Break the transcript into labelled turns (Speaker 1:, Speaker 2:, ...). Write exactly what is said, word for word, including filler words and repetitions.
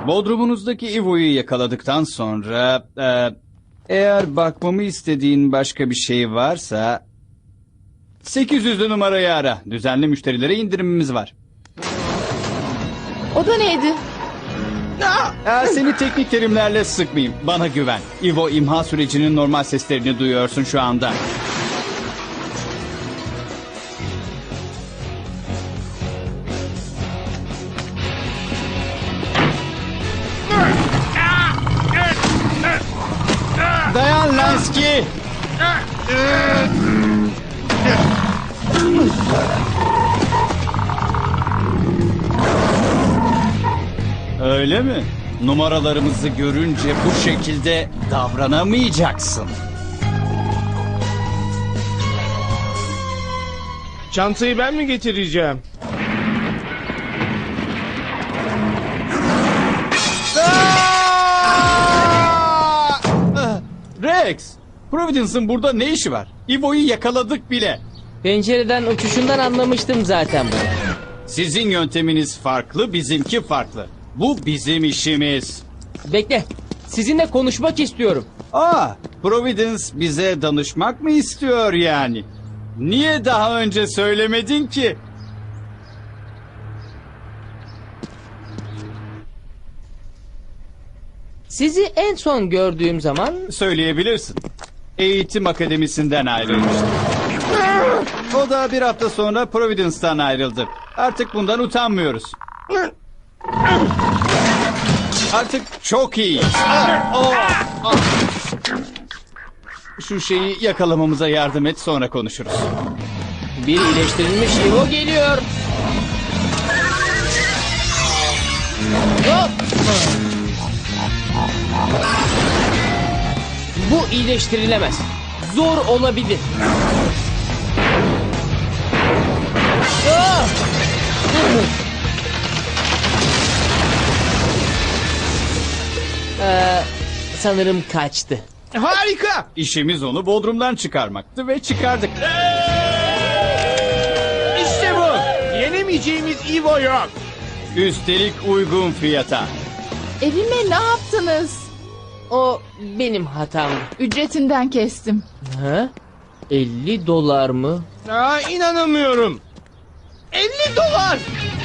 Speaker 1: Bodrumunuzdaki İvo'yu yakaladıktan sonra... E, eğer bakmamı istediğin başka bir şey varsa... sekiz yüzlü numarayı ara. Düzenli müşterilere indirimimiz var.
Speaker 2: O da neydi?
Speaker 1: Ee, seni teknik terimlerle sıkmayayım. Bana güven. İvo imha sürecinin normal seslerini duyuyorsun şu anda. Dayan Lansky! Öyle mi? Numaralarımızı görünce bu şekilde davranamayacaksın.
Speaker 3: Çantayı ben mi getireceğim?
Speaker 1: Rex! Providence'ın burada ne işi var? İvo'yu yakaladık bile.
Speaker 4: Pencereden uçuşundan anlamıştım zaten bunu.
Speaker 1: Sizin yönteminiz farklı, bizimki farklı. Bu bizim işimiz.
Speaker 4: Bekle. Sizinle konuşmak istiyorum.
Speaker 1: Aa, Providence bize danışmak mı istiyor yani? Niye daha önce söylemedin ki?
Speaker 4: Sizi en son gördüğüm zaman...
Speaker 1: Söyleyebilirsin. Eğitim akademisinden ayrılmıştı. O da bir hafta sonra Providence'dan ayrıldı. Artık bundan utanmıyoruz. Artık çok iyi. Şu şeyi yakalamamıza yardım et, sonra konuşuruz.
Speaker 4: Bir iyileştirilmiş Ivo geliyor. Hop! Bu iyileştirilemez. Zor olabilir. Ah! Ee, sanırım kaçtı.
Speaker 3: Harika!
Speaker 1: İşimiz onu Bodrum'dan çıkarmaktı ve çıkardık.
Speaker 3: İşte bu! Yenemeyeceğimiz Ivo yok.
Speaker 1: Üstelik uygun fiyata.
Speaker 2: Evime ne yaptınız?
Speaker 4: O benim hatamdı.
Speaker 2: Ücretinden kestim.
Speaker 4: Ha? elli dolar mı?
Speaker 3: Aa, inanamıyorum. elli dolar!